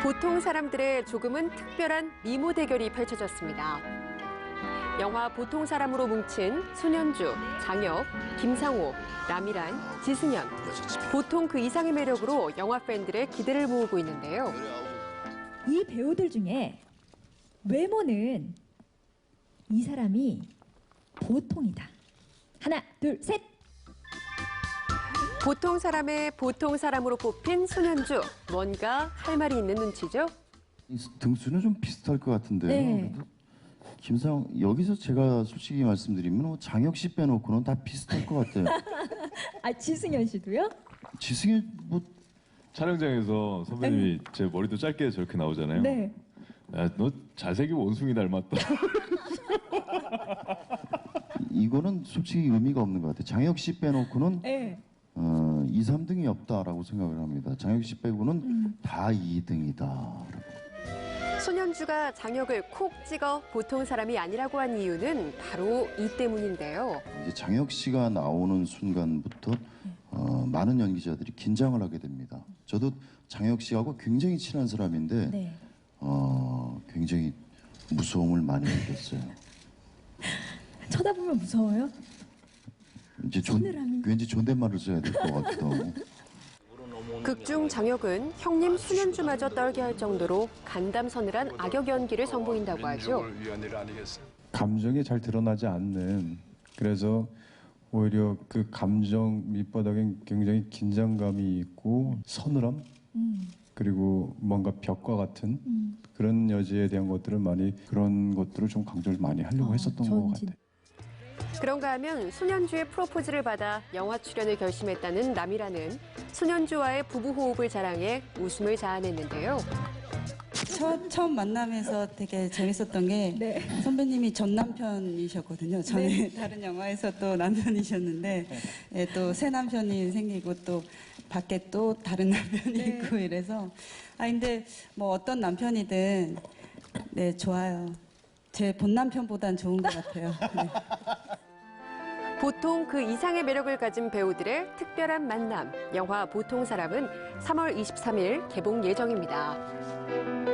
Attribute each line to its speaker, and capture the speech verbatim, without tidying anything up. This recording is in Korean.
Speaker 1: 보통 사람들의 조금은 특별한 미모 대결이 펼쳐졌습니다. 영화 보통 사람으로 뭉친 손현주, 장혁, 김상호, 남이란, 지승현. 보통 그 이상의 매력으로 영화 팬들의 기대를 모으고 있는데요.
Speaker 2: 이 배우들 중에 외모는 이 사람이 보통이다. 하나, 둘, 셋!
Speaker 1: 보통 사람의 보통 사람으로 뽑힌 손현주. 뭔가 할 말이 있는 눈치죠?
Speaker 3: 등수는 좀 비슷할 것 같은데요.
Speaker 2: 네.
Speaker 3: 김상 여기서 제가 솔직히 말씀드리면 장혁 씨 빼놓고는 다 비슷할 것 같아요.
Speaker 2: 아, 지승현 씨도요?
Speaker 3: 지승현 뭐
Speaker 4: 촬영장에서 선배님이 제 머리도 짧게 저렇게 나오잖아요.
Speaker 2: 네.
Speaker 4: 야, 너 잘생긴 원숭이 닮았다.
Speaker 3: 이거는 솔직히 의미가 없는 것 같아요. 장혁 씨 빼놓고는
Speaker 2: 네.
Speaker 3: 어, 이, 삼 등이 없다라고 생각을 합니다. 장혁 씨 빼고는
Speaker 2: 음.
Speaker 3: 다 이 등이다.
Speaker 1: 손현주가 장혁을 콕 찍어 보통 사람이 아니라고 한 이유는 바로 이 때문인데요.
Speaker 3: 이제 장혁 씨가 나오는 순간부터 어, 많은 연기자들이 긴장을 하게 됩니다. 저도 장혁 씨하고 굉장히 친한 사람인데
Speaker 2: 네.
Speaker 3: 어, 굉장히 무서움을 많이 느꼈어요.
Speaker 2: 쳐다보면 무서워요?
Speaker 3: 이제 존,
Speaker 2: 서늘함이.
Speaker 3: 왠지 존댓말을 써야 될 것 같기도 하고.
Speaker 1: 극중 장혁은 형님 손현주마저 떨게 할 정도로 간담 서늘한 악역 연기를 선보인다고 하죠.
Speaker 5: 감정이 잘 드러나지 않는, 그래서 오히려 그 감정 밑바닥엔 굉장히 긴장감이 있고 서늘함,
Speaker 2: 음.
Speaker 5: 그리고 뭔가 벽과 같은
Speaker 2: 음.
Speaker 5: 그런 여지에 대한 것들을 많이, 그런 것들을 좀 강조를 많이 하려고
Speaker 2: 아,
Speaker 5: 했었던
Speaker 2: 전
Speaker 5: 것
Speaker 2: 진-
Speaker 5: 같아요.
Speaker 1: 그런가 하면 손현주의 프로포즈를 받아 영화 출연을 결심했다는 남이라는 손현주와의 부부 호흡을 자랑해 웃음을 자아냈는데요.
Speaker 6: 첫, 처음 만남에서 되게 재밌었던 게
Speaker 2: 네.
Speaker 6: 선배님이 전 남편이셨거든요. 전에
Speaker 2: 네.
Speaker 6: 다른 영화에서 또 남편이셨는데 예, 또 새 남편이 생기고 또 밖에 또 다른 남편이
Speaker 2: 네.
Speaker 6: 있고 이래서 아 근데 뭐 어떤 남편이든 네 좋아요. 제 본 남편보단 좋은 것 같아요. 네.
Speaker 1: 보통 그 이상의 매력을 가진 배우들의 특별한 만남. 영화 보통 사람은 삼월 이십삼일 개봉 예정입니다.